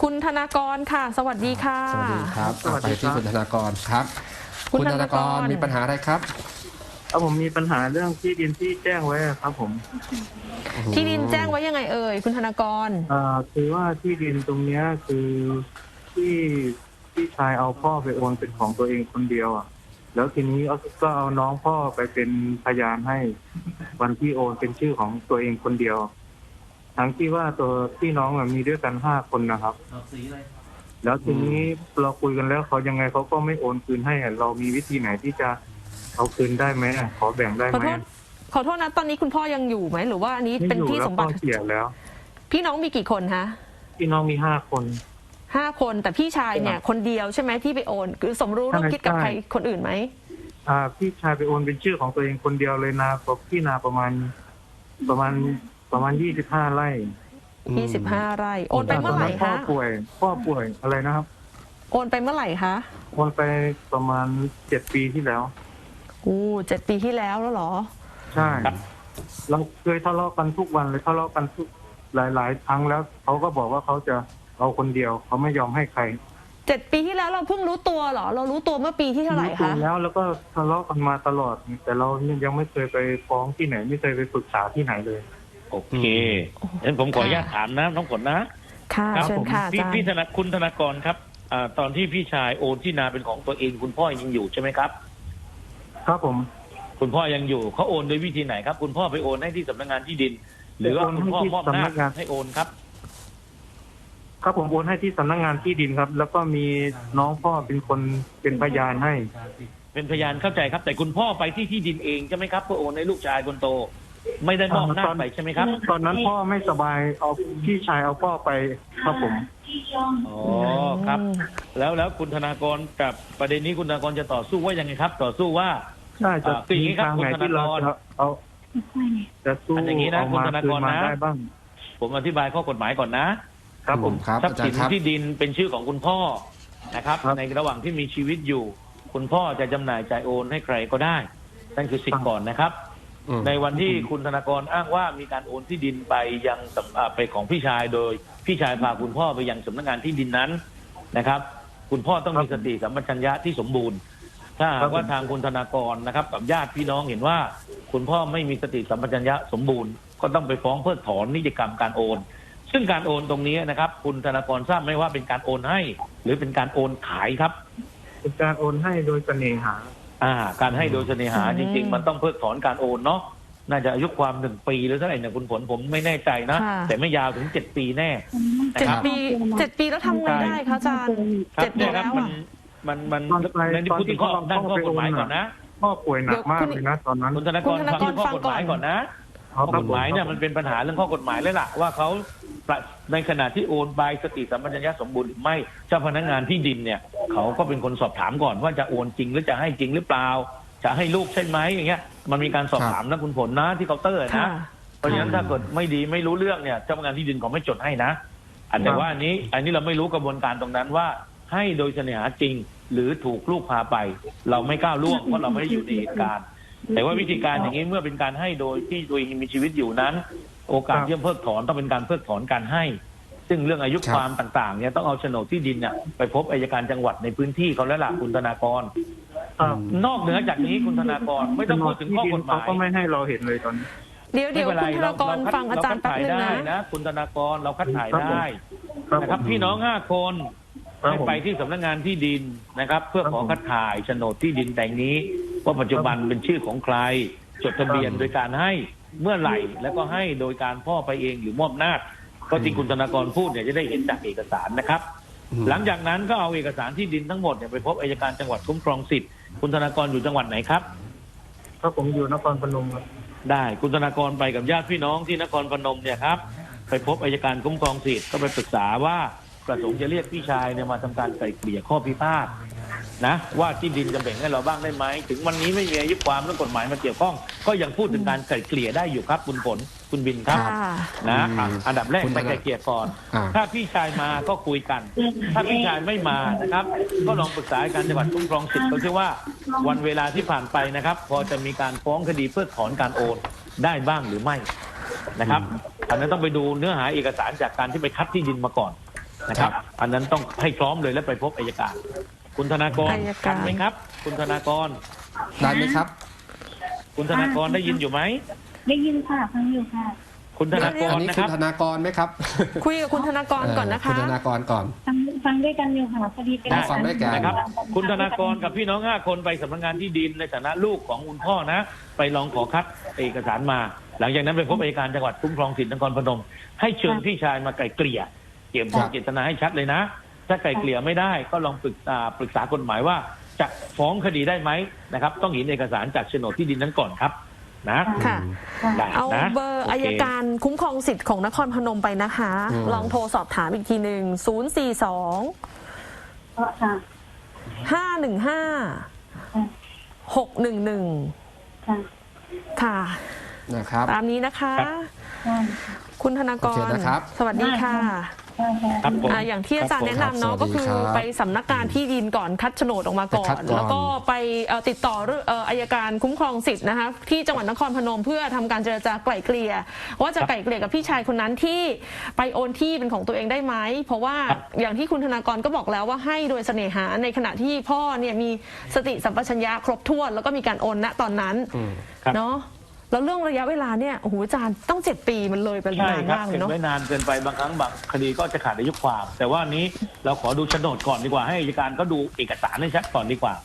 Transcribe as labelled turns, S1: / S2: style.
S1: คุณธนากรค่ะสวัสดีค่ะ
S2: สวัสดีครับไปที่คุณธนากรครับคุณธนากรมีปัญหาอะไรครับ
S3: ผมมีปัญหาเรื่องที่ดินที่แจ้งไว้ครับผม
S1: ที่ดินแจ้งไว้ยังไงเอ่ยคุณธนากร
S3: คือว่าที่ดินตรงเนี้ยคือที่ชายเอาพ่อไปโอนเป็นของตัวเองคนเดียวอ่ะแล้วทีนี้ก็เอาน้องพ่อไปเป็นพยานให้วันที่โอนเป็นชื่อของตัวเองคนเดียวทั้งที่ว่าตัวพี่น้องมีด้วยกัน5 คนนะครับแล้วทีนี้เราคุยกันแล้วเขายังไงเขาก็ไม่โอนคืนให้เรามีวิธีไหนที่จะเอาคืนได้ไหมขอแบ่งได้ไหม
S1: ขอโทษนะตอนนี้คุณพ่อยังอยู่ไหมหรือว่าอันนี้เป็นที่สมบัติ
S3: เสียแล้ว
S1: พี่น้องมีกี่คนคะ
S3: พี่น้องมี5 คน
S1: คนแต่พี่ชายเนี่ยคนเดียวใช่ไหมที่ไปโอนคือสมรู้ร่วมคิดกับใครคนอื่นไหม
S3: พี่ชายไปโอนเป็นชื่อของตัวเองคนเดียวเลยนาพี่นาประมาณ25 ไร่
S1: 25 ไร่โอนไปเมื่อไหร่คะ
S3: พ่อป่วยอะไรนะครับ
S1: โอนไปเมื่อไหร่คะ
S3: โอนไปประมาณ7 ปีที่แล้ว
S1: 7 ปีที่แล้วเหรอ
S3: ใช่เราเคยทะเลาะกันทุกวันเลยทะเลาะกันทุกหลายครั้งแล้วเขาก็บอกว่าเขาจะเอาคนเดียวเขาไม่ยอมให้ใคร
S1: 7 ปีที่แล้วเราเพิ่งรู้ตัวเหรอเรารู้ตัวเมื่อปีที่เท่าไหร่คะ
S3: แล้วก็ทะเลาะกันมาตลอดแต่เรายังไม่เคยไปฟ้องที่ไหนไม่เคยไปปรึกษาที่ไหนเลย
S4: โอเคงั้นผมขออนุญาตถามนะน้องฝนนะ
S1: ค่ะเชิญค่ะอาจารย์
S4: คุณธนากรครับตอนที่พี่ชายโอนที่นาเป็นของตัวเองคุณพ่อยังอยู่ใช่ไหมครับ
S3: ครับผม
S4: คุณพ่อยังอยู่เขาโอนโดยวิธีไหนครับคุณพ่อไปโอนให้ที่สำนักงานที่ดินหรือว่าคุณพ่อมอบหน้าให้โอนครับ
S3: ครับผมโอนให้ที่สำนักงานที่ดินครับแล้วก็มีน้องพ่อเป็นคนเป็นพยานให้
S4: เป็นพยานเข้าใจครับแต่คุณพ่อไปที่ดินเองใช่ไหมครับเพื่อโอนให้ลูกชายคนโตไม่ได้มอบหน้าไปใช่ไหมครับ
S3: ตอนนั้นพ่อไม่สบายเอาพี่ชายเอาพ่อไปครับผม
S4: อ๋อครับแล้วคุณธนากรกับประเด็นนี้คุณธนากรจะต่อสู้ว่ายังไงครับต่อสู้ว่า
S3: ใช่จะตีทางไหนที่เราเอาจะสู้
S4: อย่างนี้นะคุณธนากรนะผมอธิบายข้อกฎหมายก่อนนะครับผมทรัพย์สินที่ดินเป็นชื่อของคุณพ่อนะครับในระหว่างที่มีชีวิตอยู่คุณพ่อจะจำหน่ายจ่ายโอนให้ใครก็ได้นั่นคือสิทธิ์ก่อนนะครับในวันที่คุณธนากรอ้างว่ามีการโอนที่ดินไปยังไปของพี่ชายโดยพี่ชายพาคุณพ่อไปยังสำนักงานที่ดินนั้นนะครับคุณพ่อต้องมีสติสัมปชัญญะที่สมบูรณ์ถ้าหากว่าทางคุณธนากรนะครับกับญาติพี่น้องเห็นว่าคุณพ่อไม่มีสติสัมปชัญญะสมบูรณ์ก็ต้องไปฟ้องเพิกถอนนิติกรรมการโอนซึ่งการโอนตรงนี้นะครับคุณธนากรทราบไหมว่าเป็นการโอนให้หรือเป็นการโอนขายครับ
S3: เป็นการโอนให้โดยเสน่หา
S4: การให้โดยเสน่หาจริงๆมันต้องเพิกถอนการโอนเนาะน่าจะอายุความ1 ปีหรือเท่าไหร่เนี่ยคุณผลผมไม่แน่ใจนะแต่ไม่ยาวถึง7 ปีแน่
S1: 7 ปีแล้วทำไงได้คะอาจารย์7 ปีแล้ว
S4: มันในพูดถึงข้อด้านข้อกฎหมายก่อนนะ
S3: พ่อป่วยหนักมากเลยนะตอนนั้น
S4: คุณธนากรฟังข้อกฎหมายก่อนนะข้อกฎหมายเนี่ยมันเป็นปัญหาเรื่องข้อกฎหมายเลยล่ะว่าเขาในขณะที่โอนใบสติสัมปชัญญะสมบูรณ์หรือไม่เจ้าพนักงานที่ดินเนี่ยเขาก็เป็นคนสอบถามก่อนว่าจะโอนจริงหรือจะให้จริงหรือเปล่าจะให้ลูกใช่ไหมอย่างเงี้ยมันมีการสอบถามนะคุณผลนะที่เคาน์เตอร์นะเพราะฉะนั้นถ้าเกิดไม่ดีไม่รู้เรื่องเนี่ยเจ้าพนักงานที่ดินเขาไม่จดให้นะแต่ว่าอันนี้เราไม่รู้กระบวนการตรงนั้นว่าให้โดยเสน่หาจริงหรือถูกลูกพาไปเราไม่ก้าวล่วงเพราะเราไม่ได้อยู่ในเหตุการณ์แต่ว่าวิธีการอย่างนี้เมื่อเป็นการให้โดยที่ตัวเองมีชีวิตอยู่นั้นโอกาสที่จะเพิกถอนต้องเป็นการเพิกถอนการให้ซึ่งเรื่องอายุความต่างๆเนี่ยต้องเอาโฉนดที่ดินเนี่ยไปพบอัยการจังหวัดในพื้นที่เขาแล้วล่ะคุณธนากรนอกเหนือจากนี้คุณธนากรไม่ต้องพูดถึงข้อกฎหมาย
S3: เขาก็ไม่ให้เราเห็นเลยตอนนี้
S1: เดี๋ยวคุณธนากรฟังอาจารย์แป๊บนึง
S4: นะคุณธนากรเราคัดถ่ายได้นะครับพี่น้อง5 คนไปที่สำนักงานที่ดินนะครับเพื่อขอคัดถ่ายโฉนดที่ดินแต่งนี้ว่าปัจจุบันเป็นชื่อของใครจดทะเบียนโดยการให้เมื่อไหร่แล้วก็ให้โดยการพ่อไปเองหรือมอบหน้าก็จริงคุณธนากรพูดเนี่ยจะได้เห็นจากเอกสารนะครับหลังจากนั้นก็เอาเอกสารที่ดินทั้งหมดเนี่ยไปพบอัยการจังหวัดคุ้มครองสิทธิ์คุณธนากรอยู่จังหวัดไหนครับ
S3: ครับผมอยู่นครพนมครับ
S4: ได้คุณธนากรไปกับญาติพี่น้องที่นครพนมเนี่ยครับไปพบอัยการคุ้มครองสิทธิ์ก็ไปปรึกษาว่าประสงค์จะเรียกพี่ชายเนี่ยมาทำการไกล่เกลี่ยข้อพิพาทนะว่าที่ดินจะแบ่งให้เราบ้างได้ไหมถึงวันนี้ไม่มีอายุความเรื่องกฎหมายมาเกี่ยวข้องก็ยังพูดถึงการไกล่เกลี่ยได้อยู่ครับคุณผลคุณบินครับนะอันดับแรกไปไกล่เกลี่ยก่อนถ้าพี่ชายมาก็คุยกันถ้าพี่ชายไม่มานะครับก็ลองปรึกษาการจังหวัดคุ้มครองสิทธิ์เขาเชื่อว่าวันเวลาที่ผ่านไปนะครับพอจะมีการฟ้องคดีเพิกถอนการโอนได้บ้างหรือไม่นะครับอันนั้นต้องไปดูเนื้อหาเอกสารจากการที่ไปคัดที่ดินมาก่อนนะครับ อันนั้นต้องให้พร้อมเลยและไปพบอัยการ คุณธนากร
S1: อัยการ
S4: ทันไหมครับ คุณธนากร
S2: ได้ไหมครับ
S4: คุณธนากรได้ยินอยู่ไหม
S5: ได้ยินค่ะฟังอยู่ค่ะ
S4: คุณธนาก
S2: อั
S4: ร
S2: นนี้
S4: นะค
S2: คุ
S4: รั
S2: ณ
S4: บ
S2: ธนากรไหมครับ
S1: คุยกับคุณธนากรก่อนนะคะ
S2: คุณธนากรก่อน
S5: ฟังด้วยกันอยู่ค่ะพอดีเป็น
S2: อ๋อฟังด้วยกัน
S4: นะครับ คุณธนากรกับพี่น้อง5 คนไปสำนักงานที่ดินในฐานะลูกของคุณพ่อนะ ไปลองขอคัดเอกสารมา หลังจากนั้นไปพบอัยการจังหวัดคุ้มครองสิทธินครพนม ให้เชิญพี่ชายมาไกล่เกลี่ยเกี่ยวกับเจตนาให้ชัดเลยนะ ถ้าไกล่เกลี่ยไม่ได้ก็ลองปรึกษากฎหมายว่าจะฟ้องคดีได้ไหมนะครับ ต้องเห็นเอกสารจากโฉนดที่ดินนั้นก่อนครับนะ
S1: ค่ะ
S4: ได้
S1: เอา
S4: นะ
S1: เบอร์
S4: โค
S1: อัยการคุ้มครองสิทธิ์ของนครพนมไปนะคะ ลองโทรสอบถามอีกทีหนึ่ง042
S5: ค่ะ
S1: 515 611
S5: ค่ะ
S1: ค่ะ
S2: นะครับ
S1: ตามนี้นะคะ
S5: ค่ะ
S1: คุณธนาก
S2: โอเค
S1: ร
S2: นะครับ
S1: สวัสดีค่ะ
S5: ค่ะค่ะ
S4: ครับผม
S1: อย่างที่อาจารย์แนะนำเนาะ
S2: ครับ
S1: ก็คือ
S2: สวัสดีครับ
S1: ไปสำนักงานที่ดินก่อนคัดโฉนดออกมาก่อ
S2: ไปคั
S1: น
S2: ดก่อน
S1: แล้วก็ไปติดต่ออัยการคุ้มครองสิทธิ์นะคะที่จังหวัดนครพนมเพื่อทำการเจรจาไกล่เกลี่ยว่าจะไกล่เกลี่ยกับพี่ชายคนนั้นที่ไปโอนที่เป็นของตัวเองได้ไหมเพราะว่าอย่างที่คุณธนากรก็บอกแล้วว่าให้โดยเสน่หาในขณะที่พ่อเนี่ยมีสติสัมปชัญญะครบถ้วนแล้วก็มีการโอนณตอนนั้น
S4: ครับ
S1: เนาะแล้วเรื่องระยะเวลาเนี่ยโอ้โหอาจารย์ต้อง7 ปีมันเลยไป
S4: ใช่
S1: นาน
S4: ครับ
S1: มากเล
S4: เก็
S1: ย
S4: บ
S1: เนาะ
S4: ไว้นานเกินไปบางครั้งบางคดีก็จะขาดอายุความ แต่ว่าอันนี้เราขอดูโฉนดก่อนดีกว่าให้อัยการก็ดูเอกสารให้ชัดก่อนดีกว่า